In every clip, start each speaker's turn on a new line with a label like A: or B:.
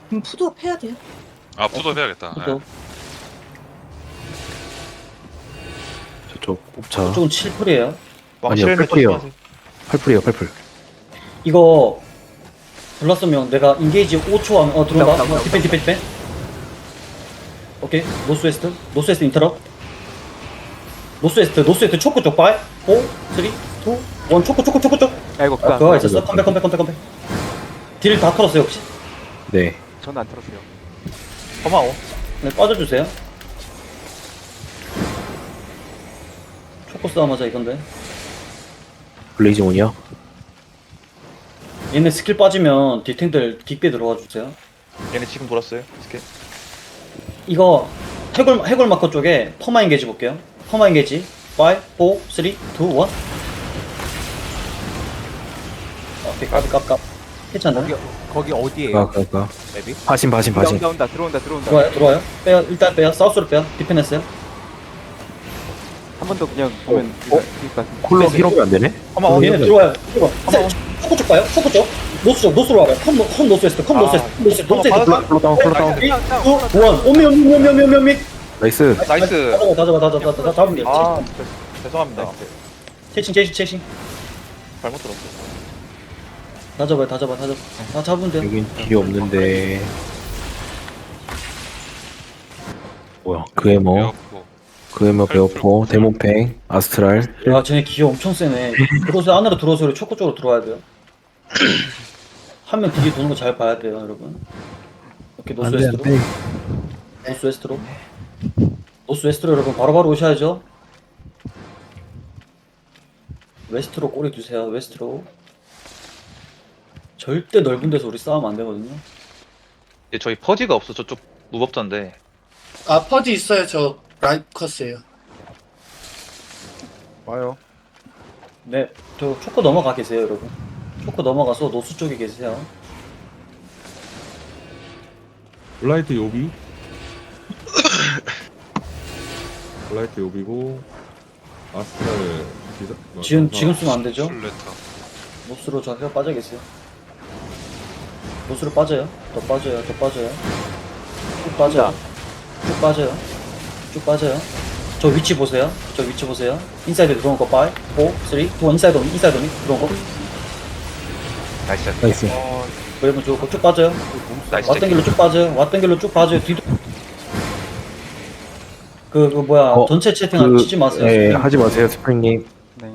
A: 그럼 푸드업 해야 돼요.
B: 아 푸드업 해야겠다.
A: 푸드업.
C: 저쪽 옵차.
A: 저쪽은 7풀이에요.
C: 아니요, 팔풀이요. 팔풀이요, 팔풀.
A: 이거 블라썸형 내가 인게이지 5초 하면 들어온다. 디펜. 오케이. 노스웨스트. 노스웨스트 인터럽. 노스웨스트 초코 쪽 5 4 3 2 1 초코 쪽.
D: 야 이거 그거
A: 그거 있었어? 컴백. 딜 다 털었어요 혹시?
C: 네.
D: 저는 안 들었어요.
E: 고마워.
A: 네, 빠져주세요. 초코 싸움 하자 이건데.
C: 블레이징 온이요?
A: 얘네 스킬 빠지면 딜탱들 뒷배 들어와 주세요.
E: 얘네 지금 돌았어요. 스케.
A: 이거 해골 마커 쪽에 퍼마 인게지 볼게요. 퍼마 인게지 5 4 3 2 1 오케이 깝 괜찮나?
D: 거기 어디에요?
C: 가.
D: 맵이?
C: 바신.
D: 온다 들어온다.
A: 들어와요. 빼요. 일단 빼요. 사우스로 빼요. 디펜했어요.
D: 한 번 더 그냥 보면 그니까
C: 콜러 히로가 안 되네?
E: 고마워.
A: 얘네 들어와요. 초코 쪽 봐요. 초코 쪽. 노스로 와봐요. 컴 노스웨스트. 노스웨스트.
C: 콜러 다운.
A: 3, 2, 1. 오미.
C: 나이스.
E: 나이스.
A: 다 잡으면 돼요.
E: 아 죄송합니다.
A: 체싱.
E: 잘못 들었어.
A: 다 잡아요. 다 잡으면 돼요.
C: 여긴 딜이 없는데. 뭐야? 그에머 베어포, 데몬팽, 아스트랄.
A: 야, 쟤네 기어 엄청 세네. 안으로 들어오세요. 초코 쪽으로 들어와야 돼요. 한 명 뒤에 도는 거 잘 봐야 돼요, 여러분. 오케이, 노스웨스트로 여러분 바로바로 오셔야죠. 웨스트로 꼬리 주세요. 웨스트로. 절대 넓은 데서 우리 싸우면 안 되거든요.
E: 얘 저희 퍼지가 없어. 저쪽 무법자인데.
F: 아 퍼지 있어요. 저 라이커스예요.
D: 와요.
A: 네, 저 초코 넘어가 계세요, 여러분. 초코 넘어가서 노스 쪽에 계세요.
G: 블라이트 요비 블라이트 요비고 아스트랄
A: 지금 쓰면 안 되죠?
B: 술레타.
A: 노스로 저기가 빠져 계세요. 노스로 빠져요. 더 빠져요. 쭉 빠져요. 저 위치 보세요. 인사이드 들어온 거 5, 4, 3, 2, 1 인사이드 오니 들어온 거.
E: 나이스.
A: 여러분 좋고 쭉 빠져요.
E: 나이스.
A: 왔던 길로 쭉 빠져요. 뒤도 뭐야 전체 채팅 치지 마세요.
C: 네, 하지 마세요, 스프링님.
D: 네.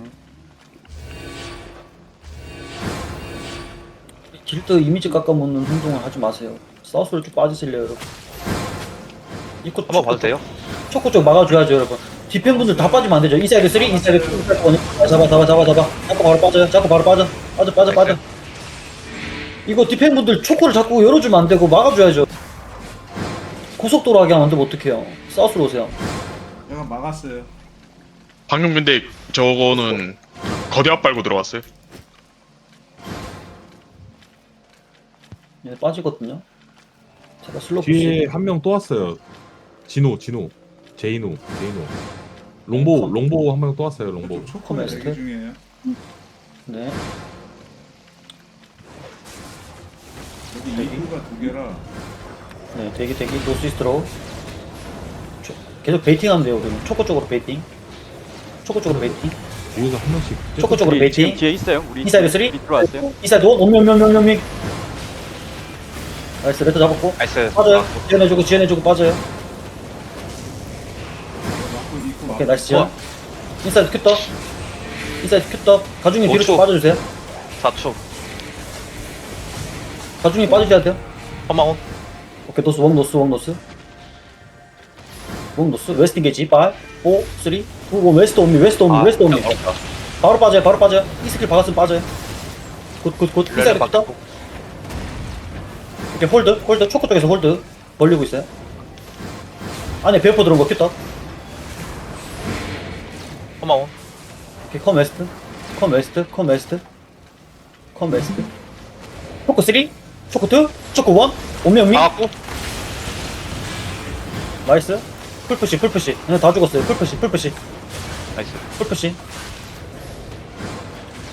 A: 길드 이미지 깎아먹는 행동을 하지 마세요. 사우스로 쭉 빠지실래요, 여러분? 입구
E: 한번 봐도 돼요?
A: 초코 쪽 막아줘야죠, 여러분. 디펜 분들 다 빠지면 안 되죠. 인사이드 3, 인사이드 2, 인사이드 1. 잡아. 자꾸 바로 빠져. 빠져. 이거 디펜 분들 초코를 자꾸 열어주면 안 되고 막아줘야죠. 고속도로 하게 하면 안 되면 어떡해요. 사우스로 오세요.
H: 내가 막았어요.
B: 방금 근데 저거는 거대압 빨고 들어갔어요.
A: 얘네 빠지거든요. 제가 슬로우
G: 뒤에 한 명 또 왔어요. 제이노 롱보 한 명 또 왔어요. 롱보.
H: 초코
A: 커메스트.
H: 대기 중이에요.
A: 네.
H: 여기 입구가 두 개라.
A: 네, 대기 노스이스트로 계속 베이팅하면 돼요. 우리는 초코 쪽으로 베이팅.
G: 뒤에서 한 명씩
A: 초코 쪽으로 베이팅.
D: 뒤에 있어요. 우리
A: 인사이드 3?
D: 들어왔어요.
A: 인사이드 1, 오명. 나이스, 레터 잡았고.
E: 나이스.
A: 빠져요. 지연해주고 빠져요.
H: 입구
A: 오케이, 나이스 지연. 인사이드 큐떡. 가중이 뒤로 좀
E: 5초.
A: 빠져주세요.
E: 4초.
A: 가중이 빠져줘야 돼요.
E: 고마워.
A: 오케이, 노스. 웨스트 인게지. 5, 4, 3, 2, 1. 웨스트 옴니. 바로 빠져요. 이 스킬 박았으면 빠져요. 굿. 인사이드 큐떡. 오케이, 홀드. 초코 쪽에서 홀드. 벌리고 있어요. 안에 베어포 들어온 거 큐떡.
E: 고마워.
A: 오케이, 컴 웨스트. 초코 3, 초코 2, 초코 1. 오면
E: 나왔고.
A: 나이스. 풀푸시. 그냥 다 죽었어요. 풀푸시.
E: 나이스.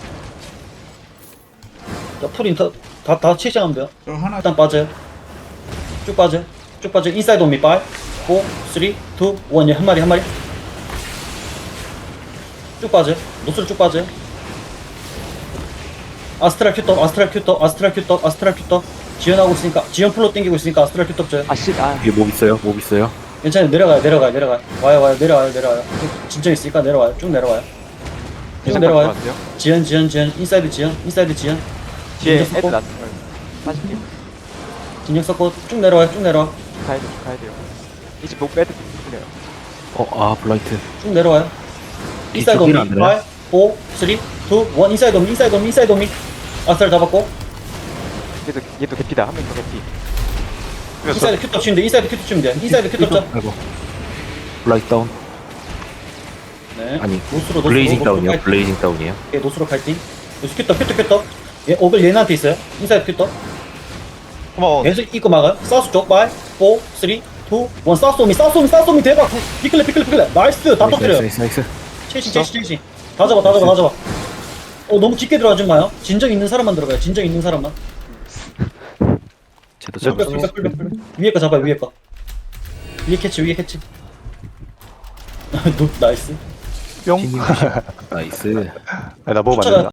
A: 자, 풀 인터 다 치시하면 돼요.
H: 저 하나
A: 일단 빠져요. 쭉 빠져. 쭉 빠져. 인사이드 온미 5, 4, 3, 2, 1. 예, 한 마리, 한 마리. 쭉 빠져. 노스로 쭉 빠져. 아스트랄 큐떡, 아스트랄 큐떡, 아스트랄 큐떡, 아스트랄 큐떡. 지연하고 있으니까, 지연 플로 땡기고 있으니까 아스트랄 큐떡 줘요.
C: 뒤에 몹 있어요. 몹 있어요.
A: 괜찮아요. 내려가요. 와요. 내려와요. 진정 있으니까 내려와요. 쭉 내려와요. 쭉 내려와요. 지연. 인사이드 지연.
D: 뒤에
A: 진정
D: 애들
A: 섞고.
D: 났어요. 40개.
A: 진정 썼고, 쭉 내려와.
D: 가야 돼요. 이제 목 빼도 풀려요.
C: 블라이트.
A: 쭉 내려와요. 인사이드 오미.
C: 딜안
A: 5,
C: 되나요?
A: 4, 3, 2, 1. 인사이드 오미. 아스트랄 잡았고.
D: 얘도 개피다. 한 명 더 개피.
A: 인사이드 큐떡 치면 돼. 인사이드 큐떡 쳐.
C: 아이고. 블라이트 다운.
A: 네.
C: 아니,
A: 노스로
C: 블레이징 다운이요.
A: 칼팅.
C: 블레이징 다운이에요.
A: 예, 노스로 칼팅. 노스 큐떡. 예, 오글 얘네한테 있어요. 인사이드 큐떡.
E: 고마워.
A: 계속 입고 막아요. 사우스 쪽 5, 4, 3, 2, 1. 사우스 오미 대박. 피클레. 나이스. 다 터뜨려요.
C: 나이스.
A: 체시. 다 잡아. 너무 깊게 들어가지 마요. 진정 있는 사람만 들어가요. 진정 있는 사람만.
C: 쟤도
A: 몇
C: 잡았어.
A: 위에 거 잡아요. 위에 캐치. 나이스.
C: 나이스.
D: 나 먹으면 안 된다.